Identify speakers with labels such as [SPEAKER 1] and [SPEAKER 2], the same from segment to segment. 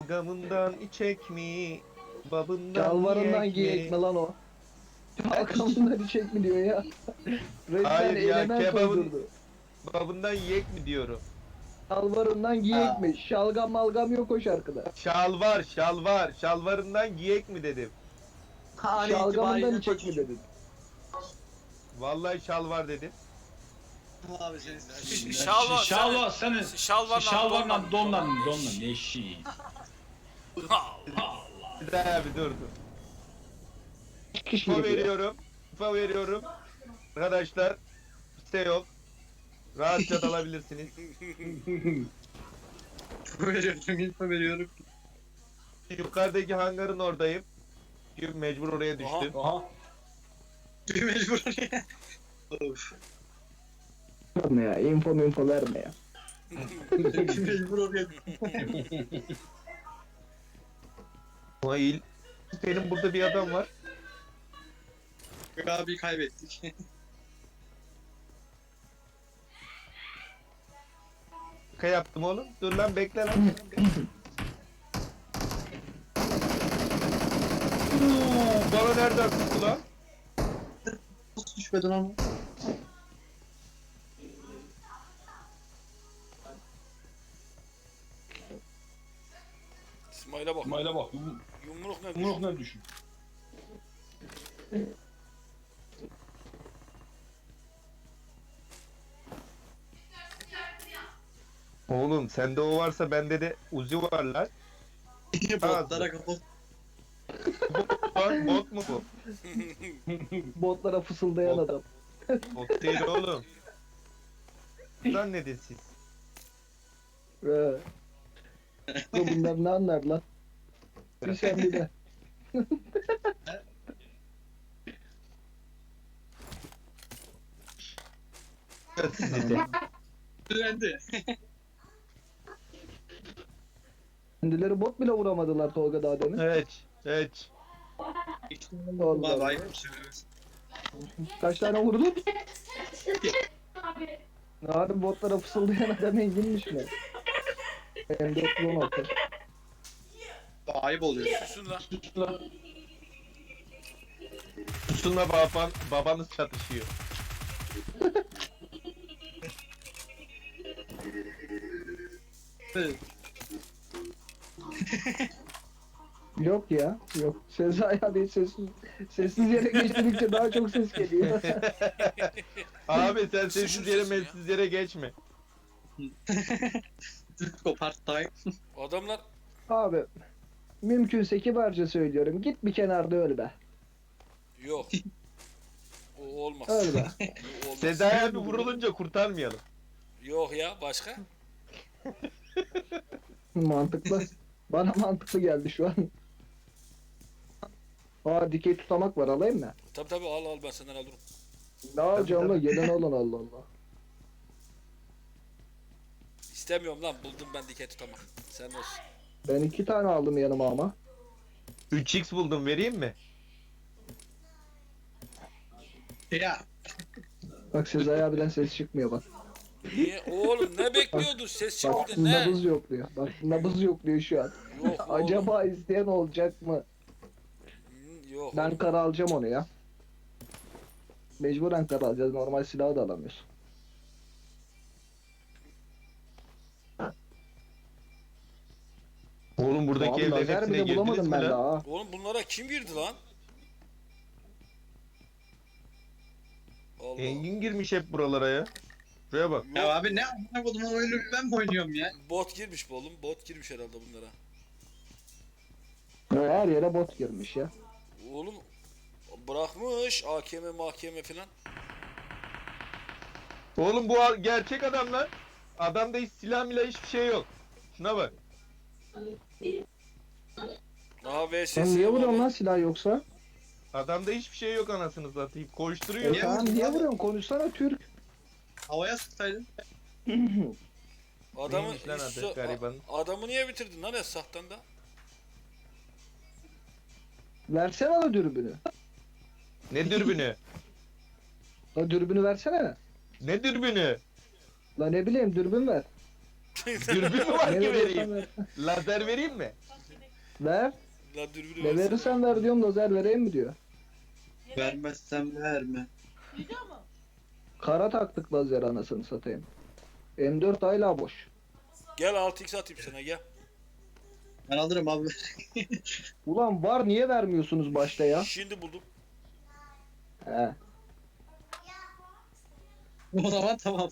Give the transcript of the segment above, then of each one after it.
[SPEAKER 1] Gamından içek mi? Babından
[SPEAKER 2] Şalvarından
[SPEAKER 1] yiyek
[SPEAKER 2] giyek
[SPEAKER 1] mi?
[SPEAKER 2] mi lan o? Halkamından içek mi diyor ya. Resmen
[SPEAKER 1] Hayır ya,
[SPEAKER 2] element
[SPEAKER 1] kebabın
[SPEAKER 2] uydurdu.
[SPEAKER 1] babından yiyek mi diyorum.
[SPEAKER 2] Şalvarından giyek mi? Şalgam malgam yok o şarkıda.
[SPEAKER 1] Şalvar, şalvar. Şalvarından giyek mi dedim.
[SPEAKER 3] An
[SPEAKER 2] Şalgamından
[SPEAKER 3] itibariyle
[SPEAKER 2] içek mi
[SPEAKER 3] koçum.
[SPEAKER 2] dedin?
[SPEAKER 1] Vallahi şalvar dedim.
[SPEAKER 3] Abi senin
[SPEAKER 4] Şalvar,
[SPEAKER 5] Şalvar senin.
[SPEAKER 4] şalvarla
[SPEAKER 5] Şalvarla
[SPEAKER 4] donla.
[SPEAKER 5] donla ne şey.
[SPEAKER 1] Bir daha bir dur dur.
[SPEAKER 2] Kişi
[SPEAKER 1] Info
[SPEAKER 2] geliyor.
[SPEAKER 1] veriyorum. Info veriyorum. Arkadaşlar, site yok. Rahatça dalabilirsiniz.
[SPEAKER 3] veriyorum, info veriyorum.
[SPEAKER 1] Yukarıdaki hangarın oradayım. Çünkü mecbur oraya düştüm.
[SPEAKER 5] Aha.
[SPEAKER 3] Mecbur oraya. Of.
[SPEAKER 2] Verme ya. Info verme ya.
[SPEAKER 3] Mecbur oraya.
[SPEAKER 1] Nail. Benim burada bir adam var.
[SPEAKER 3] Abi kaybettik.
[SPEAKER 1] Şaka yaptım oğlum. Dur lan, bekle lan. Bana nereden tuttu lan?
[SPEAKER 3] Nasıl düşmedin ama?
[SPEAKER 4] İsmail'e bak.
[SPEAKER 5] İsmail'e bak.
[SPEAKER 4] Yumruk ne
[SPEAKER 5] Yumruk
[SPEAKER 4] düşün?
[SPEAKER 5] ne düşün?
[SPEAKER 1] Oğlum sende o varsa bende de Uzi var lan.
[SPEAKER 3] Botlara kapat.
[SPEAKER 1] Lan bot mu bu?
[SPEAKER 2] Botlara fısıldayan
[SPEAKER 1] Bot.
[SPEAKER 2] adam.
[SPEAKER 1] Bot değil oğlum. Lan ne de siz?
[SPEAKER 2] Ee. Bunlar ne anlar lan? Bir sen bir de.
[SPEAKER 1] Sizi de.
[SPEAKER 3] Düzendi.
[SPEAKER 2] Kendileri bot bile vuramadılar Tolga daha demin.
[SPEAKER 1] Evet. Evet.
[SPEAKER 2] Allah Allah.
[SPEAKER 3] Bay
[SPEAKER 2] Kaç tane vurdun? Abi botlara fısıldayan adam enginmiş mi? M416.
[SPEAKER 3] Ayıp oluyor.
[SPEAKER 4] Susun lan.
[SPEAKER 1] Susunla babanız çatışıyor.
[SPEAKER 2] Yok ya, yok. Sezai abi sessiz yere geçtirdikçe daha çok ses geliyor.
[SPEAKER 1] Abi sen sessiz yere melsiz yere geçme.
[SPEAKER 3] Türk part time.
[SPEAKER 4] Adamlar
[SPEAKER 2] Abi, mümkünse kibarca söylüyorum. Git bir kenarda öl be.
[SPEAKER 4] yok. O olmaz.
[SPEAKER 2] Öl be.
[SPEAKER 4] O olmaz.
[SPEAKER 1] Sezai abi vurulunca kurtarmayalım.
[SPEAKER 4] Yok ya, başka?
[SPEAKER 2] Mantıklı. Bana mantıklı geldi şu an. Aa, dikey tutamak var, alayım mı?
[SPEAKER 4] Tabi al ben senden alırım.
[SPEAKER 2] Ne alacağım lan?
[SPEAKER 1] tabii.
[SPEAKER 2] Gelen alın, Allah Allah.
[SPEAKER 4] İstemiyorum lan, buldum ben dikey tutamak. Sen olsun.
[SPEAKER 2] Ben 2 tane aldım yanıma ama.
[SPEAKER 1] 3x buldum, vereyim mi?
[SPEAKER 3] Ya.
[SPEAKER 2] Bak Sezai abiden ses çıkmıyor bak.
[SPEAKER 4] Niye? Oğlum ne bekliyordun? Ses
[SPEAKER 2] Bak
[SPEAKER 4] çıkmadı ne?
[SPEAKER 2] nabız yok diyor. Bak nabız yok diyor şu an.
[SPEAKER 4] Yok oğlum.
[SPEAKER 2] Acaba isteyen olacak mı?
[SPEAKER 4] Yok.
[SPEAKER 2] Ben kara alacağım onu ya. Mecburen kara alacağız. Normal silahı da alamıyoruz.
[SPEAKER 1] Oğlum buradaki
[SPEAKER 2] Abi
[SPEAKER 1] evlerin
[SPEAKER 2] lazer
[SPEAKER 1] hepsine
[SPEAKER 2] bile
[SPEAKER 1] girdiniz
[SPEAKER 2] bulamadım
[SPEAKER 1] mi
[SPEAKER 2] ben
[SPEAKER 1] lan?
[SPEAKER 2] daha.
[SPEAKER 4] Oğlum bunlara kim girdi lan? Allah.
[SPEAKER 1] Engin girmiş hep buralara ya. Şuraya bak.
[SPEAKER 3] Ya abi ne amına kodumun oyunu ben mi oynuyorum ya?
[SPEAKER 4] Bot girmiş bu oğlum. Bot girmiş herhalde bunlara.
[SPEAKER 2] Her yere bot girmiş ya.
[SPEAKER 4] Oğlum bırakmış AKM mahkeme filan.
[SPEAKER 1] Oğlum bu gerçek adam lan. Adamda hiç silah milah hiçbir şey yok. Şuna bak.
[SPEAKER 4] Daha VSS
[SPEAKER 2] Sen niye
[SPEAKER 4] var
[SPEAKER 2] vuruyorsun lan silah yoksa?
[SPEAKER 1] Adamda hiçbir şey yok anasını satayım. Koşturuyor.
[SPEAKER 3] Niye
[SPEAKER 2] Tamam
[SPEAKER 3] vurdun
[SPEAKER 2] niye
[SPEAKER 3] abi?
[SPEAKER 2] vuruyorsun? Konuşsana Türk.
[SPEAKER 3] Havaya sıksaydın.
[SPEAKER 4] Adamı
[SPEAKER 1] Neymiş lan adı
[SPEAKER 4] üstü-
[SPEAKER 1] garibanın?
[SPEAKER 4] adamı niye bitirdin lan Esah'tan da?
[SPEAKER 2] Versene la dürbünü.
[SPEAKER 1] Ne dürbünü?
[SPEAKER 2] La dürbünü versene.
[SPEAKER 1] Ne dürbünü?
[SPEAKER 2] La ne bileyim dürbün ver.
[SPEAKER 1] Dürbün mü var
[SPEAKER 2] Ne
[SPEAKER 1] ki
[SPEAKER 2] veriyorsan
[SPEAKER 1] vereyim?
[SPEAKER 2] ver.
[SPEAKER 1] Lazer vereyim mi?
[SPEAKER 2] Ver.
[SPEAKER 4] Lan dürbünü
[SPEAKER 2] Ne
[SPEAKER 4] versene.
[SPEAKER 2] verirsen ver diyorum, lazer vereyim mi diyor.
[SPEAKER 3] Vermezsem verme.
[SPEAKER 2] Kara taktık lazer anasını satayım. M4 hala boş.
[SPEAKER 4] Gel 6x atayım sana gel.
[SPEAKER 3] Ben alırım abi.
[SPEAKER 2] Ulan var, niye vermiyorsunuz başta ya?
[SPEAKER 4] Şimdi buldum.
[SPEAKER 2] He.
[SPEAKER 3] O zaman tamam.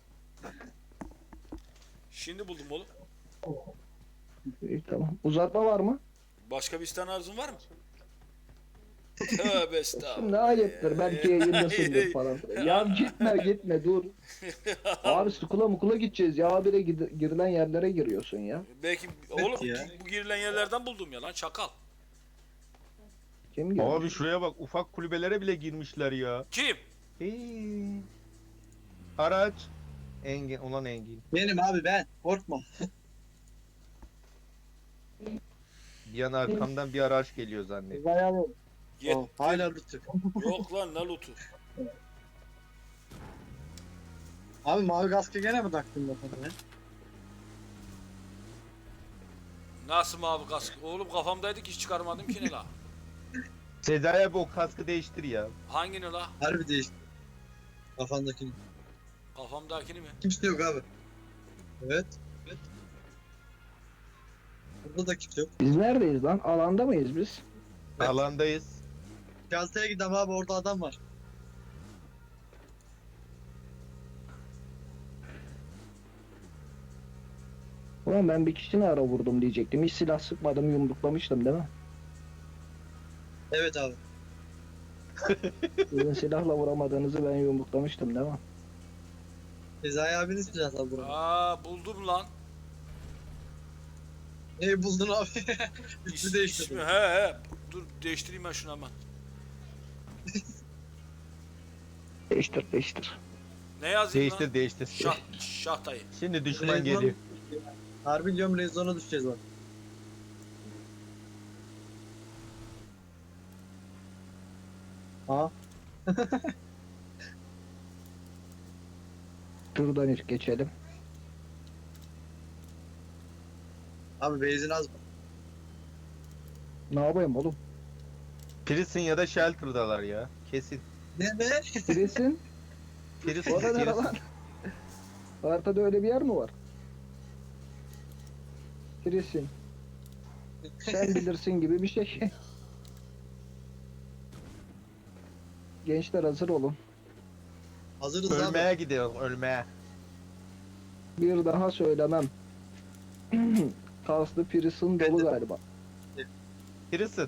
[SPEAKER 4] Şimdi buldum oğlum.
[SPEAKER 2] İyi, tamam. Uzatma var mı?
[SPEAKER 4] Başka bir tane arzun var mı? Tövbe estağfurullah.
[SPEAKER 2] Şimdi ayıptır. Belki yayındasındır falan. Ya gitme dur. Abi skula mukula gideceğiz ya. Habire girilen yerlere giriyorsun ya.
[SPEAKER 4] Belki
[SPEAKER 3] Evet
[SPEAKER 4] oğlum
[SPEAKER 3] ya.
[SPEAKER 4] bu girilen yerlerden buldum ya lan çakal.
[SPEAKER 2] Kim girmiş?
[SPEAKER 1] Abi şuraya bak, ufak kulübelere bile girmişler ya.
[SPEAKER 4] Kim?
[SPEAKER 1] Hey. Araç. Engin, ulan Engin.
[SPEAKER 3] Benim abi ben. Korkma.
[SPEAKER 1] Bir an arkamdan bir araç geliyor zannettim.
[SPEAKER 4] Yet.
[SPEAKER 3] Oh, hala lütfen.
[SPEAKER 4] Yok lan ne lootu.
[SPEAKER 3] Abi mavi kaskı gene mi taktın kafana ya?
[SPEAKER 4] Nasıl mavi kask? Oğlum kafamdaydı ki hiç çıkarmadım ki ne la?
[SPEAKER 1] Sezai abi o kaskı değiştir ya.
[SPEAKER 4] Hangini la?
[SPEAKER 3] Harbi değişti. Kafandakini.
[SPEAKER 4] Kafamdakini mi?
[SPEAKER 3] Kimse yok abi. Evet. Evet. Burada da kimse yok.
[SPEAKER 2] Biz neredeyiz lan? Alanda mıyız biz?
[SPEAKER 3] Evet.
[SPEAKER 1] Alandayız.
[SPEAKER 3] Gazeteye gidelim abi, orada adam var.
[SPEAKER 2] Ulan ben bir kişini ara vurdum diyecektim. Hiç silah sıkmadım, yumruklamıştım değil mi?
[SPEAKER 3] Evet abi.
[SPEAKER 2] Sizin silahla vuramadığınızı ben yumruklamıştım değil mi?
[SPEAKER 3] Sezai abinin silahı abi burada.
[SPEAKER 4] Aa buldum lan.
[SPEAKER 3] Neyi buldun abi?
[SPEAKER 4] İs,
[SPEAKER 3] İsmi değiştirdi.
[SPEAKER 4] ismi he. Dur değiştireyim ben şunu hemen.
[SPEAKER 2] Değiştir.
[SPEAKER 4] Ne yazayım lan?
[SPEAKER 1] Değiştir.
[SPEAKER 4] Şahtayı.
[SPEAKER 1] Şimdi düşman
[SPEAKER 3] Rezon-
[SPEAKER 1] geliyor.
[SPEAKER 3] Harbi diyorum, rezona düşeceğiz bak. Ha?
[SPEAKER 2] Şuradan ilk geçelim.
[SPEAKER 3] Abi benzin az.
[SPEAKER 2] Ne yapayım oğlum?
[SPEAKER 1] Prison ya da Shelter'dalar ya. Kesin.
[SPEAKER 3] Ne?
[SPEAKER 2] Birisin.
[SPEAKER 1] Prison,
[SPEAKER 2] O da ne
[SPEAKER 1] Prison.
[SPEAKER 2] lan? Haritada öyle bir yer mi var? Birisin. Sen bilirsin gibi bir şey. Gençler hazır olun.
[SPEAKER 3] Hazırız
[SPEAKER 1] Ölmeye
[SPEAKER 3] abi.
[SPEAKER 1] gidiyor, ölmeye.
[SPEAKER 2] Bir daha söylemem. Kaslı Prison dolu galiba.
[SPEAKER 1] Prison.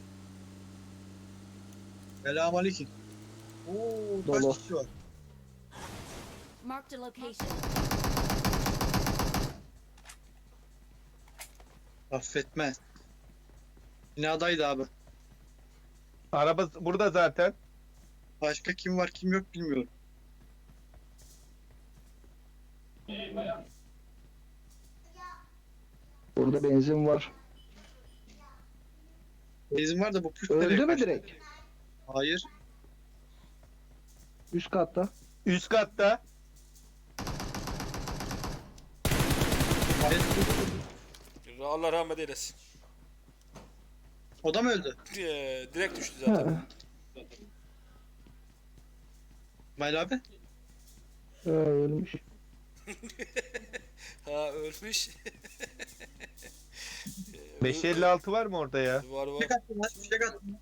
[SPEAKER 3] Selamünaleyküm. Oo, kaç
[SPEAKER 2] Dolu.
[SPEAKER 3] kişi var?
[SPEAKER 5] Marked a location.
[SPEAKER 3] Affetmez. Binadaydı abi.
[SPEAKER 1] Araba burada zaten.
[SPEAKER 3] Başka kim var kim yok bilmiyorum.
[SPEAKER 2] Burada benzin var.
[SPEAKER 3] Benzin var da bu push
[SPEAKER 2] Öldü
[SPEAKER 3] nereye
[SPEAKER 2] mü
[SPEAKER 3] kaçtı?
[SPEAKER 2] direkt?
[SPEAKER 3] Hayır.
[SPEAKER 2] Üst katta.
[SPEAKER 1] Üst katta.
[SPEAKER 3] Hayır.
[SPEAKER 4] Allah rahmet eylesin.
[SPEAKER 3] O da mı öldü?
[SPEAKER 4] Direkt düştü zaten.
[SPEAKER 2] Ha,
[SPEAKER 3] İsmail abi.
[SPEAKER 2] ölmüş.
[SPEAKER 4] Ha ölmüş.
[SPEAKER 1] 556 var mı orada ya?
[SPEAKER 4] Var var.
[SPEAKER 3] Fişek attım lan. Fişek attım.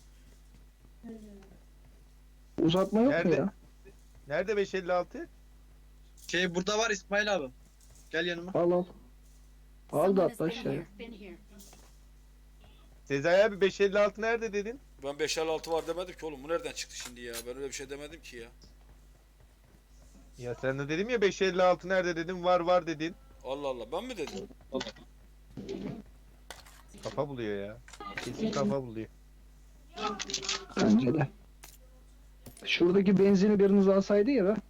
[SPEAKER 2] Uzatma yok mu
[SPEAKER 1] Nerede?
[SPEAKER 2] ya?
[SPEAKER 1] Nerede 556?
[SPEAKER 3] Şey burada var İsmail abi. Gel yanıma.
[SPEAKER 2] Al. Al da
[SPEAKER 5] Someone has
[SPEAKER 2] atla
[SPEAKER 5] been
[SPEAKER 2] aşağıya.
[SPEAKER 5] here. Been here.
[SPEAKER 1] Sezai abi 556 nerede dedin?
[SPEAKER 4] Ben 556 var demedim ki oğlum. Bu nereden çıktı şimdi ya? Ben öyle bir şey demedim ki ya.
[SPEAKER 1] Ya sen de dedim ya 556 nerede dedim, var dedin.
[SPEAKER 4] Allah Allah ben mi dedim?
[SPEAKER 1] Kafa buluyor ya. Kesin kafa buluyor.
[SPEAKER 2] Bence de. Şuradaki benzini biriniz alsaydı ya be.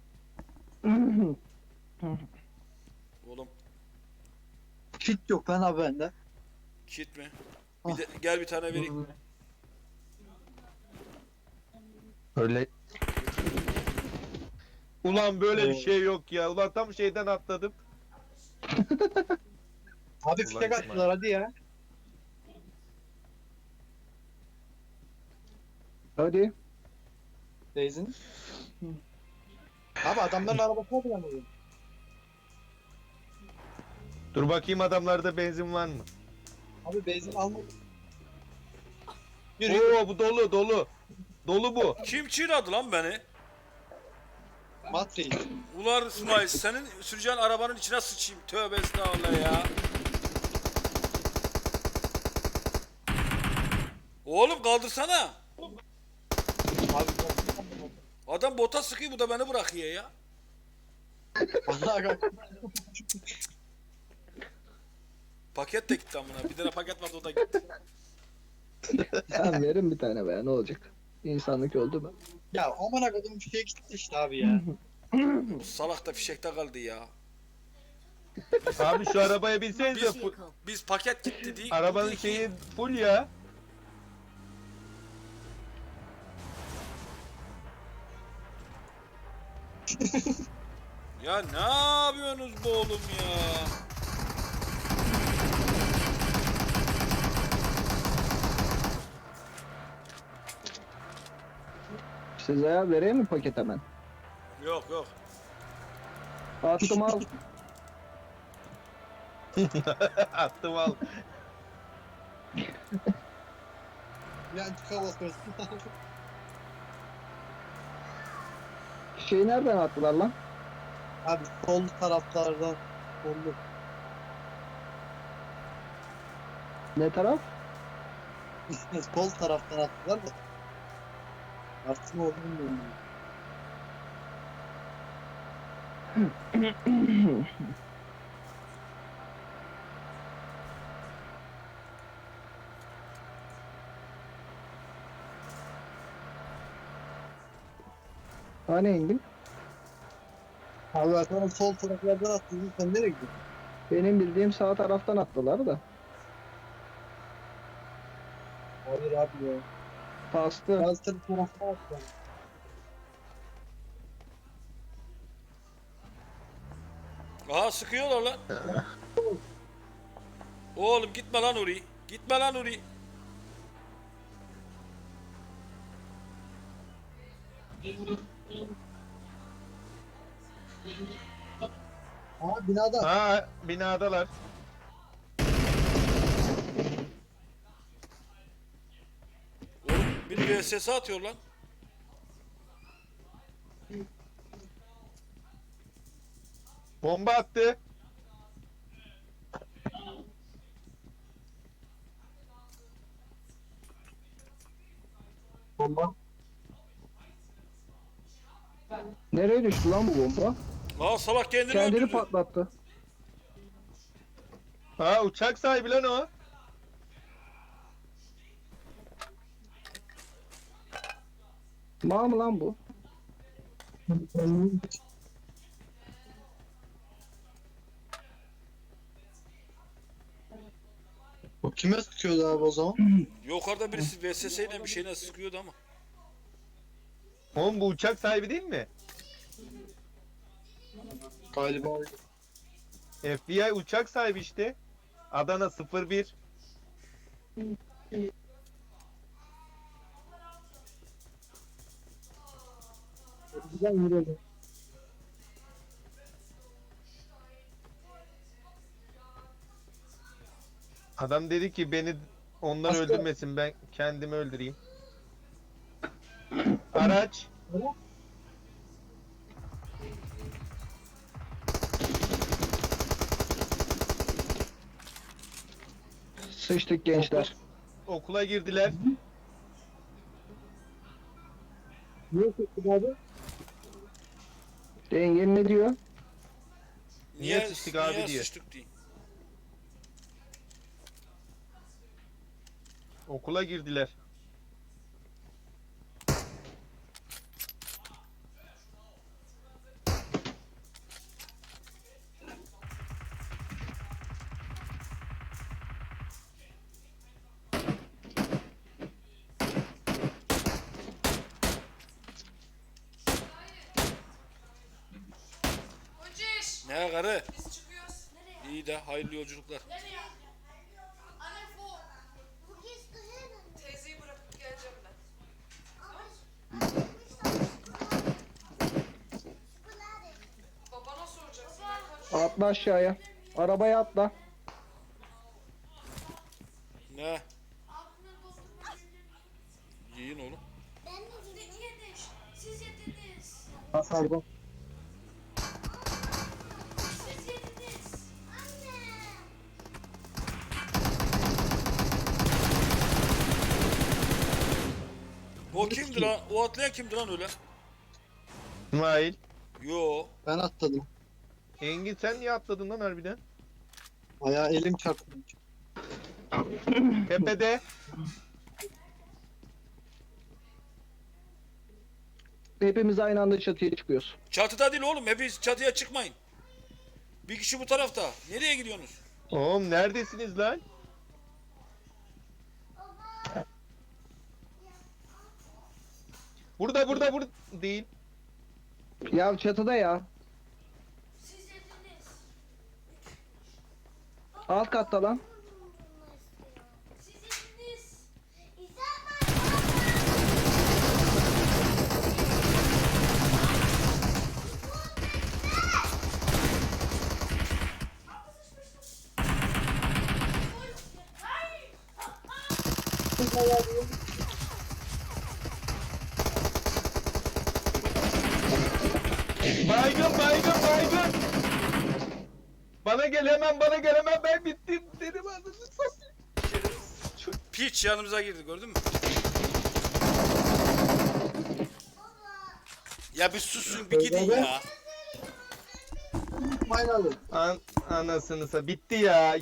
[SPEAKER 4] Oğlum
[SPEAKER 3] Kit yok lan abi bende.
[SPEAKER 4] kit mi? Bir de, gel bir tane vereyim.
[SPEAKER 1] Öyle. Ulan böyle bir
[SPEAKER 3] Oo.
[SPEAKER 1] şey yok ya. Ulan tam şeyden atladım.
[SPEAKER 3] Abi
[SPEAKER 1] Ulan
[SPEAKER 3] fişek
[SPEAKER 1] İsmail.
[SPEAKER 3] attılar hadi ya.
[SPEAKER 2] Hadi.
[SPEAKER 3] Benzin. Abi adamların arabasına bulamıyorum.
[SPEAKER 1] Dur bakayım adamlarda benzin var mı?
[SPEAKER 3] Abi benzin almadım. Yürü.
[SPEAKER 1] Oo bu dolu dolu. Dolu bu.
[SPEAKER 4] Kim çiğnadı lan beni?
[SPEAKER 3] Matreyi.
[SPEAKER 4] Ulan İsmail senin süreceğin arabanın içine sıçayım. Tövbe estağfurullah ya. Oğlum kaldırsana.
[SPEAKER 3] Abi
[SPEAKER 4] Adam bota sıkıyor bu da beni bırakıyor ya.
[SPEAKER 3] vallahi bak.
[SPEAKER 4] Paket de gitti amına. Bir tane paket vardı o da gitti.
[SPEAKER 2] Tamam verin bir tane be ne olacak? İnsanlık öldü mü?
[SPEAKER 3] Ya amına koydum bir şey gitti işte abi ya.
[SPEAKER 4] Bu salak da fişekte kaldı ya.
[SPEAKER 1] Abi şu arabaya binsenize.
[SPEAKER 5] Vehicle.
[SPEAKER 4] Biz paket gitti diye.
[SPEAKER 1] Arabanın şeyi full ya.
[SPEAKER 4] Ya ne yapıyorsunuz bu oğlum ya?
[SPEAKER 2] Size vereyim mi paket hemen?
[SPEAKER 4] Yok yok.
[SPEAKER 2] Attım al.
[SPEAKER 1] Attım al.
[SPEAKER 3] Ya tıka basıyorsun.
[SPEAKER 2] Şeyi nereden attılar lan?
[SPEAKER 3] Abi sol taraflardan sollu.
[SPEAKER 2] Ne taraf?
[SPEAKER 3] Sol taraftan attılar da. Artık ne oldu bilmiyorum.
[SPEAKER 2] Hani indin?
[SPEAKER 3] Abi zaten sol taraflardan attın. Sen nereye gidiyorsun?
[SPEAKER 2] Benim bildiğim sağ taraftan attılar da.
[SPEAKER 3] Hayır abi ya.
[SPEAKER 2] Bastı.
[SPEAKER 3] Bazı taraftan attılar.
[SPEAKER 4] Aha sıkıyorlar lan. Oğlum gitme lan oraya. Gitme lan oraya.
[SPEAKER 3] Aa binada.
[SPEAKER 1] Ha binadalar.
[SPEAKER 4] Oğlum biri VSS atıyor lan.
[SPEAKER 1] Bomba attı.
[SPEAKER 3] Bomba.
[SPEAKER 2] Nereye düştü lan bu bomba?
[SPEAKER 4] Aa salak kendini
[SPEAKER 2] Kendini
[SPEAKER 4] öldürdü.
[SPEAKER 2] patlattı.
[SPEAKER 1] Ha uçak sahibi lan o.
[SPEAKER 2] Mal mı lan bu?
[SPEAKER 3] O kime sıkıyordu abi o zaman?
[SPEAKER 4] Yukarıda birisi VSS ile bir şeyine sıkıyordu ama.
[SPEAKER 1] Oğlum bu uçak sahibi değil mi?
[SPEAKER 3] Galiba.
[SPEAKER 1] FBI uçak sahibi işte. Adana 01.
[SPEAKER 3] Güzel yürüyordu.
[SPEAKER 1] Adam dedi ki beni onlar
[SPEAKER 3] Başka-
[SPEAKER 1] öldürmesin ben kendimi öldüreyim. Araç.
[SPEAKER 2] Sıçtık gençler.
[SPEAKER 1] Okula girdiler.
[SPEAKER 3] Niye sıktın abi?
[SPEAKER 2] Dengen ne diyor?
[SPEAKER 1] Niye sıçtık abi
[SPEAKER 4] niye
[SPEAKER 1] diye.
[SPEAKER 4] sıçtık diye.
[SPEAKER 1] Okula girdiler.
[SPEAKER 6] Hociş,
[SPEAKER 4] Ne karı?
[SPEAKER 6] biz çıkıyoruz. Nereye?
[SPEAKER 4] İyi de hayırlı yolculuklar.
[SPEAKER 6] Nereye? Anne bu. Teyzeyi bırakıp geleceğim ben.
[SPEAKER 2] Atla aşağıya. Arabaya atla.
[SPEAKER 4] Ne? Yiyin oğlum.
[SPEAKER 6] Ben de yedim. Siz yediniz.
[SPEAKER 3] Pardon.
[SPEAKER 6] Siz yediniz. Anne.
[SPEAKER 4] O kimdi lan? O atlayan kimdi lan öyle?
[SPEAKER 1] İsmail.
[SPEAKER 4] Yo.
[SPEAKER 3] Ben atladım.
[SPEAKER 1] Engin sen niye atladın lan harbiden?
[SPEAKER 3] Ayağı elim çarptı.
[SPEAKER 1] Tepede.
[SPEAKER 2] Hepimiz aynı anda çatıya çıkıyoruz.
[SPEAKER 4] Çatıda değil oğlum. Hepiniz çatıya çıkmayın. Bir kişi bu tarafta. Nereye gidiyorsunuz?
[SPEAKER 1] Oğlum neredesiniz lan? Burada değil.
[SPEAKER 2] Ya çatıda ya.
[SPEAKER 6] Siz yediniz.
[SPEAKER 2] Alt katta lan.
[SPEAKER 6] Siz yediniz.
[SPEAKER 1] Baygın. Bana gel hemen ben bittim dedim anasını satayım.
[SPEAKER 4] Piç yanımıza girdi gördün mü? Ya bir susun bir gidin ya.
[SPEAKER 3] Aynen.
[SPEAKER 1] Anasını bitti ya.